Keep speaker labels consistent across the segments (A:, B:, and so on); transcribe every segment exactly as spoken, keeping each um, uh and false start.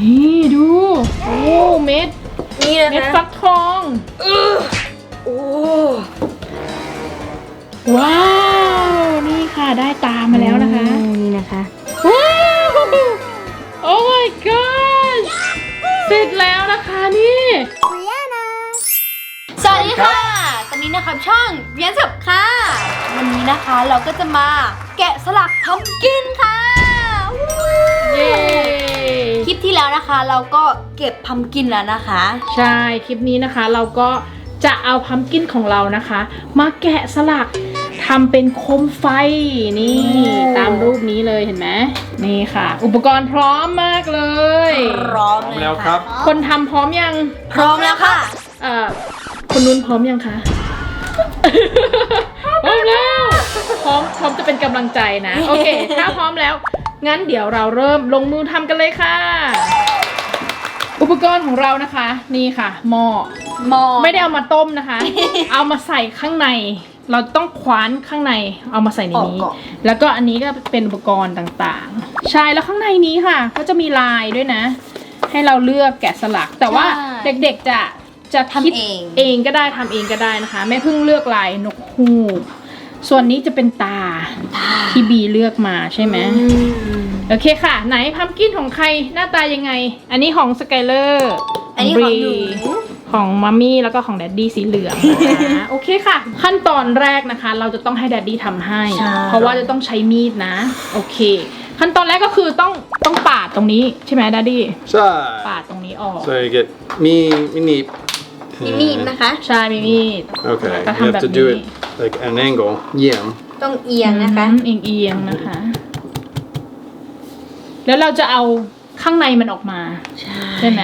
A: นี่ดูโอ้เม็ด
B: นี่นะคะ
A: เม็ดฟักทอง
B: เออโอ้
A: ว้าวนี่ค่ะได้ตามมาแล้วนะคะ
B: นี่นะคะ
A: ว้าวโอ้ my god เสร็จแล้วนะคะนี่
B: สวัสดีค่ะตอนนี้นะครับช่องเรียนสับค่ะวันนี้นะคะเราก็จะมาแกะสลักพัมกินค่ะ
A: เย้
B: คลิปที่แล้วนะคะเราก็เก็บพัมกินแล้วนะคะ
A: ใช่คลิปนี้นะคะเราก็จะเอาพัมกินของเรานะคะมาแกะสลักทำเป็นโคมไฟนี่ตามรูปนี้เลยเห็นไหมนี่ค่ะอุปกรณ์พร้อมมากเลย
B: พร้อม
C: แล้วครับ
A: คนทำพร้อมยัง
B: พร้อมแล้วค่ะ
A: เอ่อคนนู้นพร้อมยังคะพร้อมแล้วพร้อมพร้อมจะเป็นกำลังใจนะโอเคถ้าพร้อมแล้วงั้นเดี๋ยวเราเริ่มลงมือทำกันเลยค่ะอุปกรณ์ของเรานะคะนี่ค่ะหม้อ
B: หม้อ
A: ไม่ได้เอามาต้มนะคะ เอามาใส่ข้างในเราต้องคว้านข้างในเอามาใส่ในนี้แล้วก็อันนี้ก็เป็นอุปกรณ์ต่างๆใช่แล้วข้างในนี้ค่ะก็จะมีลายด้วยนะให้เราเลือกแกะสลักแต่ว่าเด็กๆจะจะคิดเองก็ได้ทำเองก็ได้นะคะแม่เพิ่งเลือกลายนกฮูกส่วนนี้จะเป็นตาที่บีเลือกมาใช่ไหมโอเคค่ะไหนพัมกินของใครหน้าตายังไงอันนี้ของสกายเลอร์
B: อันนี้ของหนู
A: ของมัมมี่แล้วก็ของแดดดี้สีเหลืองนะโอเคค่ะขั้นตอนแรกนะคะเราจะต้องให้แดดดี้ทำให้เพราะว่าจะต้องใช้มีดนะโอเคขั้นตอนแรกก็คือต้องต้องปาดตรงนี้ใช่ไหมแดดดี้
C: ใช่
A: ปาดตรงนี้ออก
C: so you get มีมีนีบ
B: มีมีดนะคะ
A: ใช่มีมีด
C: okay you have to do it like an angle เอียง
B: ต้องเอียงนะคะ
A: เอียงเอียงนะคะแล้วเราจะเอาข้างในมันออกมาใช่ไหม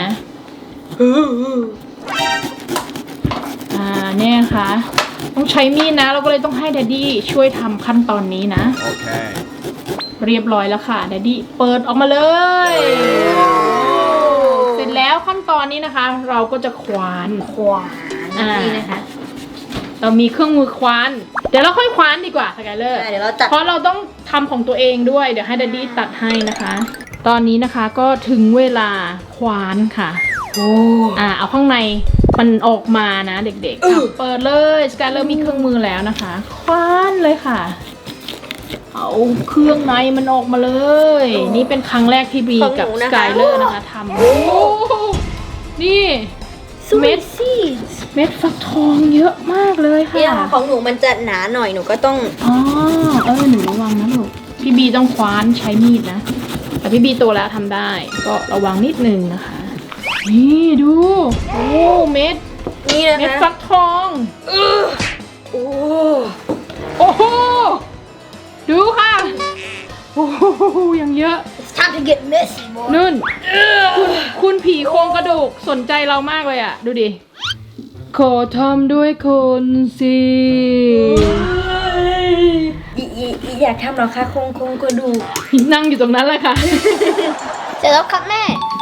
A: อ่าเนี่ยค่ะต้องใช้มีดนะเราก็เลยต้องให้แดดดี้ช่วยทำขั้นตอนนี้นะโอเคเรียบร้อยแล้วค่ะแดดดี้เปิดออกมาเลยเสร็จแล้วขั้นตอนนี้นะคะเราก็จะควาน
B: ควานนี่นะคะ
A: เรามีเครื่องมือควานเดี๋ยวเราค่อยควานดีกว่าสกายเลอร์เพราะเราต้องทำของตัวเองด้วยเดี๋ยวให้แดดดี้ตัดให้นะคะตอนนี้นะคะก็ถึงเวลาควานค่ะ
B: โอ้
A: อ่าเอาข้างในมันออกมานะเด็กๆเปิดเลยสกายเลอร์มีเครื่องมือแล้วนะคะควานเลยค่ะเอาเครื่องในมันออกมาเลยนี่เป็นครั้งแรกที่บีกับสกายเลอร์นะคะทำนี่เม็ดซี่เม็ดฟักทองเยอะมากเลยค่ะ
B: เนี่ยของหนูมันจะหนาหน่อยหนูก็ต้อง
A: อ๋อเออหนูระวังนะลูกพี่บีต้องคว้านใช้มีดนะแต่พี่บีโตแล้วทำได้ก็ระวังนิดนึงนะคะนี่ดูโอ้เม็ด
B: นี่นะคะ
A: เม็ดฟักทอง
B: เออโอ้
A: โอ้โหดูค่ะโอ้โหยังเยอะ
B: It's time to get messy
A: นุ่นคุณคุณผีโครงกระดูกสนใจเรามากเลยอ่ะดูดิขอทำด้วยคนสิ
B: อีอีอีอยากทำหรอคะโครงโครงกระดูก
A: นั่งอยู่ตรงนั้นแหละค่ะ
B: เสร็จแล้วครับแม่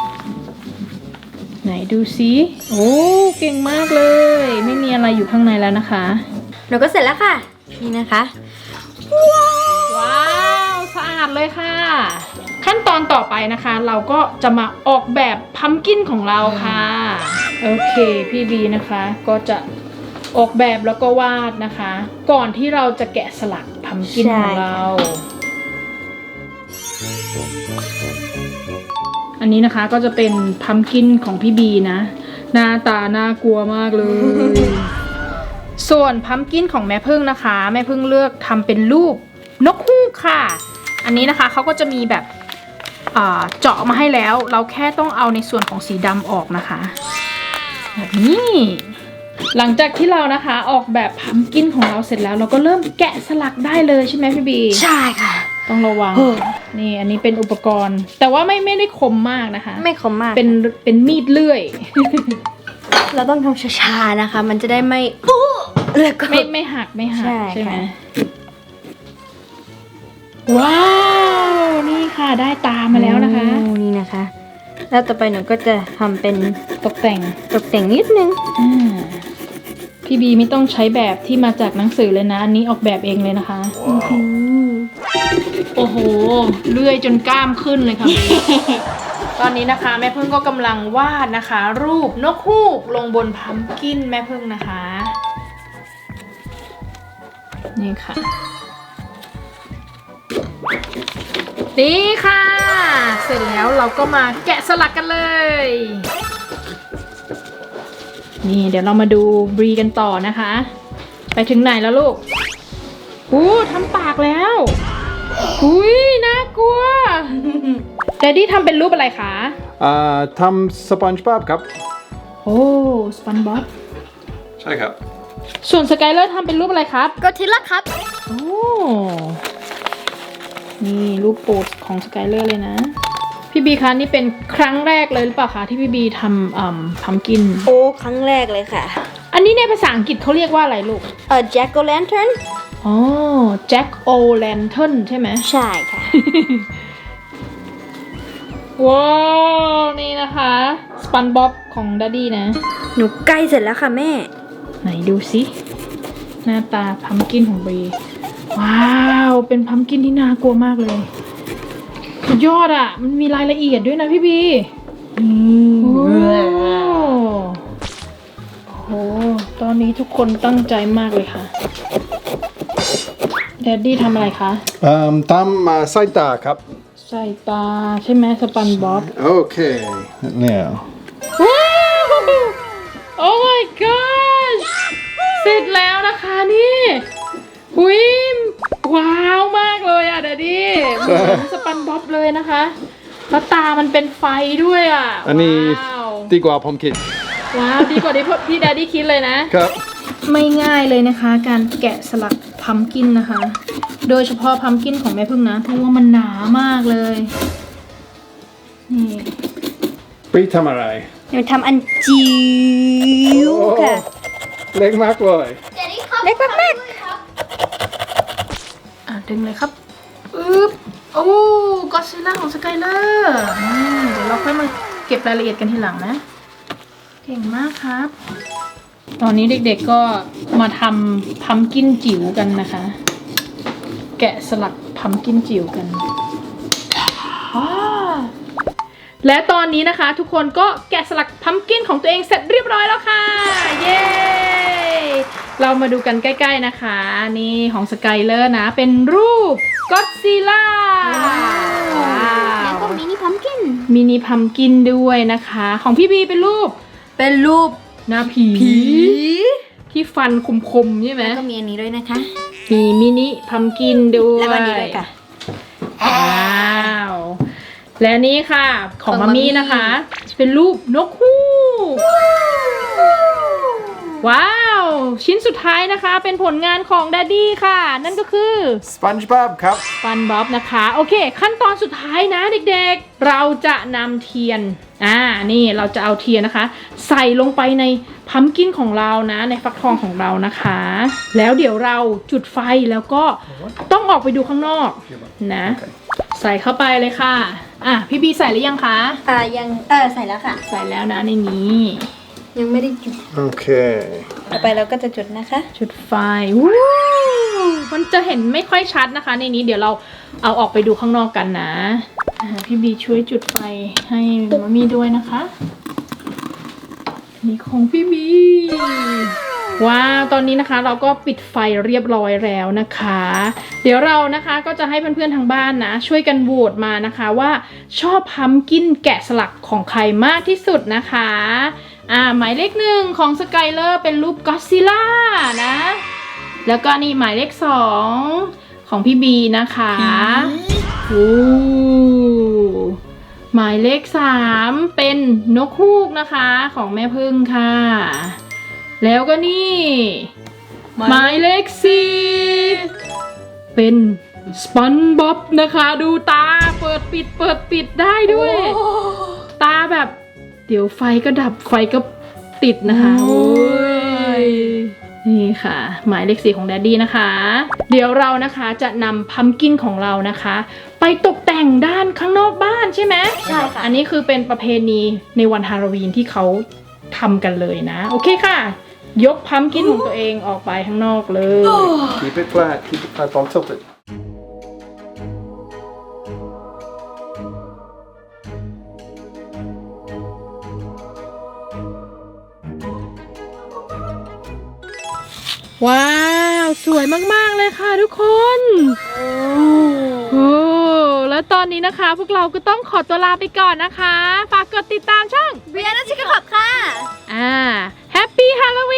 A: ไหนดูสิโอ้เก่งมากเลยไม่มีอะไรอยู่ข้างในแล้วนะคะ
B: หนูก็เสร็จแล้วค่ะนี่นะคะ
A: ว้าวสะอาดเลยค่ะขั้นตอนต่อไปนะคะเราก็จะมาออกแบบพัมกินของเราค่ะโอเคพี่บีนะคะก็จะออกแบบแล้วก็วาดนะคะก่อนที่เราจะแกะสลักพัมกินของเราอันนี้นะคะก็จะเป็นพัมกินของพี่บีนะหน้าตาน่ากลัวมากเลยส่วนพัมกินของแม่พึ่งนะคะแม่พึ่งเลือกทำเป็นรูปนกฮูกค่ะอันนี้นะคะเขาก็จะมีแบบเจาะมาให้แล้วเราแค่ต้องเอาในส่วนของสีดำออกนะคะแบบนี้หลังจากที่เรานะคะออกแบบพัมกินของเราเสร็จแล้วเราก็เริ่มแกะสลักได้เลยใช่ไหมพี่บี
B: ใช่ค่ะ
A: ต้องระวังนี่อันนี้เป็นอุปกรณ์แต่ว่าไม่ไม่ได้คมมากนะคะ
B: ไม่คมมาก
A: เป็นเป็นมีดเลื่อย
B: เราต้องทำช้าๆนะคะมันจะได้ไม่เลือก
A: ไม่ไม่หักไม่หักใช่ไหมว้าวนี่ค่ะได้ตามาแล้วนะคะ
B: นี่นะคะแล้วต่อไปหนูก็จะทำเป็น
A: ตกแต่ง
B: ตกแต่งนิดนึง
A: พี่บีไม่ต้องใช้แบบที่มาจากหนังสือเลยนะอันนี้ออกแบบเองเลยนะคะโอ้โหเลื่อยจนกล้ามขึ้นเลยค่ะตอนนี้นะคะแม่พึ่งก็กำลังวาดนะคะ รูปนกฮูกลงบนพัมกินแม่พึ่งนะคะ นี่ค่ะ นี่ค่ะ เสร็จแล้วเราก็มาแกะสลักกันเลย นี่เดี๋ยวเรามาดูบรีกันต่อนะคะ ไปถึงไหนแล้วลูกอู้ทำปากแล้วอุ้ยน่ากลัว แดดดี้ทำเป็นรูปอะไรคะ
C: อ่าทำสปอนจ์บ๊อบครับ
A: โอ้สปันบ๊อบ
C: ใช่ครับ
A: ส่วนสกายเลอร์ทำเป็นรูปอะไรครับ
B: ก็ทิล่าครับ
A: โอ้ นี่รูปโปรดของสกายเลอร์เลยนะ พี่บีคะนี่เป็นครั้งแรกเลยหรือเปล่าคะที่พี่บีทำอ่ำพัมกิน
B: โอ้ครั้งแรกเลยค่ะ
A: อันนี้ในภาษาอังกฤษเขาเรียกว่าอะไรลูก
B: เอ่อ jack o' lantern
A: อ๋อ Jack O' Lantern ใช่ไหม
B: ใช่ค่ะ
A: ว้าว นี่นะคะสปันบ๊อบของดัดดี้นะ
B: หนูใกล้เสร็จแล้วค่ะแม่
A: ไหนดูสิหน้าตาพัมกินของบีว้าว เป็นพัมกินที่น่ากลัวมากเลยสุดยอดอ่ะ มันมีรายละเอียดด้วยนะพี่บีโอ้โห ตอนนี้ทุกคนตั้งใจมากเลยค่ะแดดดี้ทำอะไรคะ
C: อืมทำมาใส่ตาครับ
A: ใส่ตาใช่ไหมสปันบ๊อบ
C: โอเคเนี่ย
A: ว้าว โอ้ my gosh เสร็จแล้วนะคะนี่หุยว้าวมากเลยอ่ะเดดดี้เหมือนสปันบ๊อบเลยนะคะแล้วตามันเป็นไฟด้วยอ่ะ
C: อันนี้
A: ว้าว
C: ดีกว่าผมคิด
A: ว้าวดีกว่าที่พี่แดดดี้คิดเลยนะ
C: ครับ
A: ไม่ง่ายเลยนะคะ การแกะสลักพัมกินนะคะ โดยเฉพาะพัมกินของแม่พึ่งนะเพราะว่ามันหนามากเลยนี่
C: ปรีทำอะไร
B: หนูทำอันจิ๋วค่ะ
C: เล็กมากเลย
B: เล็กมาก
A: อ่ะดึงเลยครับอึ๊บโอ้ก็อดซิลล่าของสกายเลอร์เดี๋ยวเราค่อยมาเก็บรายละเอียดกันทีหลังนะ เก่งมากครับ ตอนนี้เด็กๆก็มาทำพัมกินจิ๋วกันนะคะ แกะสลักพัมกินจิ๋วกันว้าวและตอนนี้นะคะทุกคนก็แกะสลักพัมกินของตัวเองเสร็จเรียบร้อยแล้วค่ะ เย้ เรามาดูกันใกล้ๆนะคะ นี่ของสกายเลอร์นะ เป็นรูปก็อดซิลล่า
B: ๆแล้วก็มินิพัมกิน
A: มินิพัมกินด้วยนะคะ ของพี่บีเป็นรูป
B: เป็นรูป
A: หน้าผี ที่ฟันคมๆใช่ไหม
B: แล้วก็มีอันนี้ด้วยนะคะ
A: มีมินิพัมกินด้วย
B: แล้วก็อันนี้ด้วยค่ะ
A: ว้าว และนี่ค่ะของ
B: ของ
A: มา
B: มัมมี่
A: มี่นะคะ เป็นรูปนกฮูกว้าว ชิ้นสุดท้ายนะคะ เป็นผลงานของแดดดี้ค่ะ นั่นก็คือ
C: สปอนจ์บ๊อบครับ
A: ฟันบ๊อบนะคะ โอเค ขั้นตอนสุดท้ายนะเด็กๆ เราจะนำเทียนอ่านี่เราจะเอาเทียนนะคะ ใส่ลงไปในพัมกินของเรานะ ในฟักทองของเรานะคะ แล้วเดี๋ยวเราจุดไฟแล้วก็ต้องออกไปดูข้างนอกนะ ใส่เข้าไปเลยค่ะ อ่ะพี่บีใส่หรือยังคะ
B: อ่ายังเออใส่แล้วค่ะ
A: ใส่แล้วนะในนี้
B: ยังไม่ได้จุด
C: โอเค
B: ต่อไปเราก็จะจุดนะคะ
A: จุดไฟวู้มันจะเห็นไม่ค่อยชัดนะคะ ในนี้เดี๋ยวเราเอาออกไปดูข้างนอกกันนะอ่าพี่บีช่วยจุดไฟให้มามีด้วยนะคะนี่ของพี่บีว้าวตอนนี้นะคะเราก็ปิดไฟเรียบร้อยแล้วนะคะ เดี๋ยวเรานะคะก็จะให้เพื่อนๆทางบ้านนะ ช่วยกันโหวตมานะคะว่าชอบพัมกินแกะสลักของใครมากที่สุดนะคะอ่าหมายเลขหนึ่งของสกายเลอร์เป็นรูปก็อดซิลล่านะ แล้วก็นี่หมายเลขสองของพี่บีนะคะโอ้หมายเลขสามเป็นนกฮูกนะคะของแม่พึ่งค่ะ แล้วก็นี่หมายเลขสี่เป็นสปันบ๊อบนะคะดูตาเปิดปิดเปิดปิดได้ด้วย ตาแบบเดี๋ยวไฟก็ดับไฟก็ติดนะคะโอ้ยนี่ค่ะ หมายเลขสี่ของแดดดี้นะคะ เดี๋ยวเรานะคะจะนำพัมกินของเรานะคะ ไปตกแต่งด้านข้างนอกบ้านใช่ไหม
B: ใช่ค่ะ
A: อันนี้คือเป็นประเพณีในวันฮาโลวีนที่เขาทำกันเลยนะ โอเคค่ะ ยกพัมกินของตัวเองออกไปข้างนอกเลย
C: keep it flat keep it flat don't tilt it
A: ว้าว สวยมากๆเลยค่ะทุกคน โอ้ แล้วตอนนี้นะคะพวกเราก็ต้องขอตัวลาไปก่อนนะคะ ฝากกดติดตามช่อง
B: เบียร์นัชชิคขับค่ะ
A: อ่า Happy Halloween